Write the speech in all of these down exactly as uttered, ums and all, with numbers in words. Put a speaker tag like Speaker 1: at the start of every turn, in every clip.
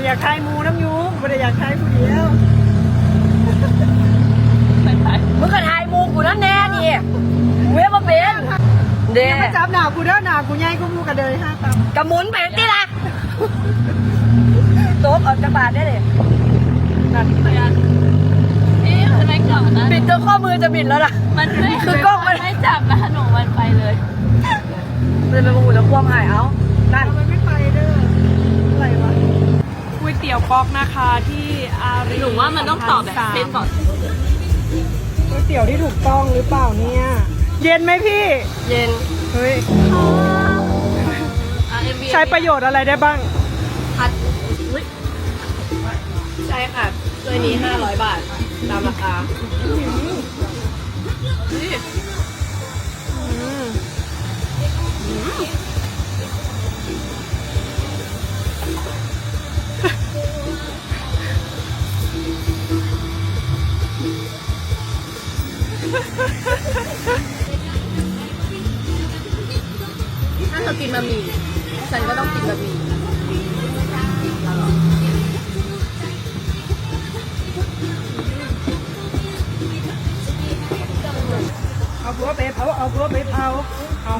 Speaker 1: อยากทายมูน้ำยูไม่ได้อยากทายผู้เดียว
Speaker 2: มึงก็ทายมูกูนั่นแน่ดิเว้ยมาเป็นเด้
Speaker 1: มาจับหนากูเด้อหนากูใหญ่กูมูกระเดยห้าตับ
Speaker 2: กระมุนไปที่ละโต๊ะออกจากบาทได้เลยนั่นไปอ่ะนี่มันไม่กลับนะบิดตัวข้อมือจะบิดแล้วล่ะมันไม่คือกล้องมันไม่จับนะหนูมันไปเลยเลยเป็นมูจะควงหายเอานั่น
Speaker 1: มันไม่ไปเด้ออะไรวะก๋วยเตี๋ยวป๊อกนะคะที่อารี
Speaker 2: หนูว่ามันต้องตอบแบบเส้นก่อน
Speaker 1: ก๋วยเตี๋ยวที่ถูกต้องหรือเปล่าเนี่ยเย็นไหมพี่
Speaker 2: เย็น
Speaker 1: เฮ้ยใช้ประโยชน์อะไรได้บ้าง
Speaker 2: พัดใช่ค่ะตัวนี้ห้าร้อยบาทตามราคาถ้าเธอกินบะหมี่ฉันก็ต้องกินบะหมี่
Speaker 1: เอาผัวไปเผาเอาผัวไปเผาเอา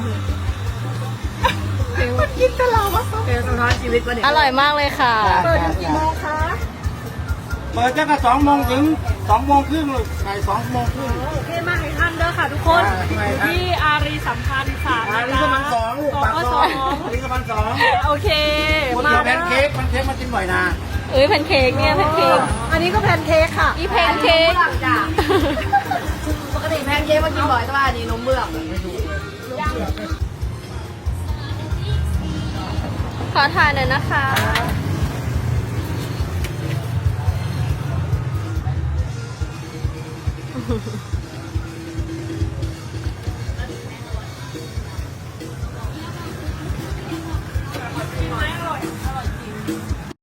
Speaker 1: มันกินตลอดวะ
Speaker 2: เพลงสะท้อนชีวิตวันนี้
Speaker 3: อร่อยมากเลยค่ะ
Speaker 1: เปิดกี่โมงคะ
Speaker 4: เปิดตั้งแต่สองโมงถึงสองโมงครึ่งเลยไก่สองโมงครึ่ง
Speaker 1: โอเคมากให้ท่านเด้อค่ะทุกคนอยู่ที่อารีสัมพันธ์สาม
Speaker 4: อารีสัมพันธ์สองลูกปากซอยอารีสัมพันธ์สอง
Speaker 1: โอเค
Speaker 4: มาแพนเค้กแพนเค้กมากินบ่อยนะ
Speaker 3: เอ้ยแพนเค้กเนี่ยแพนเค้ก
Speaker 1: อันนี้ก็แพนเค้กค่ะ
Speaker 3: อีแพนเค้ก
Speaker 2: จ้ะปกติแพนเค้กมากินบ่อยแต่ว่าอันนี้นมเบื้อง
Speaker 3: ขอถ่ายหน่อยนะคะ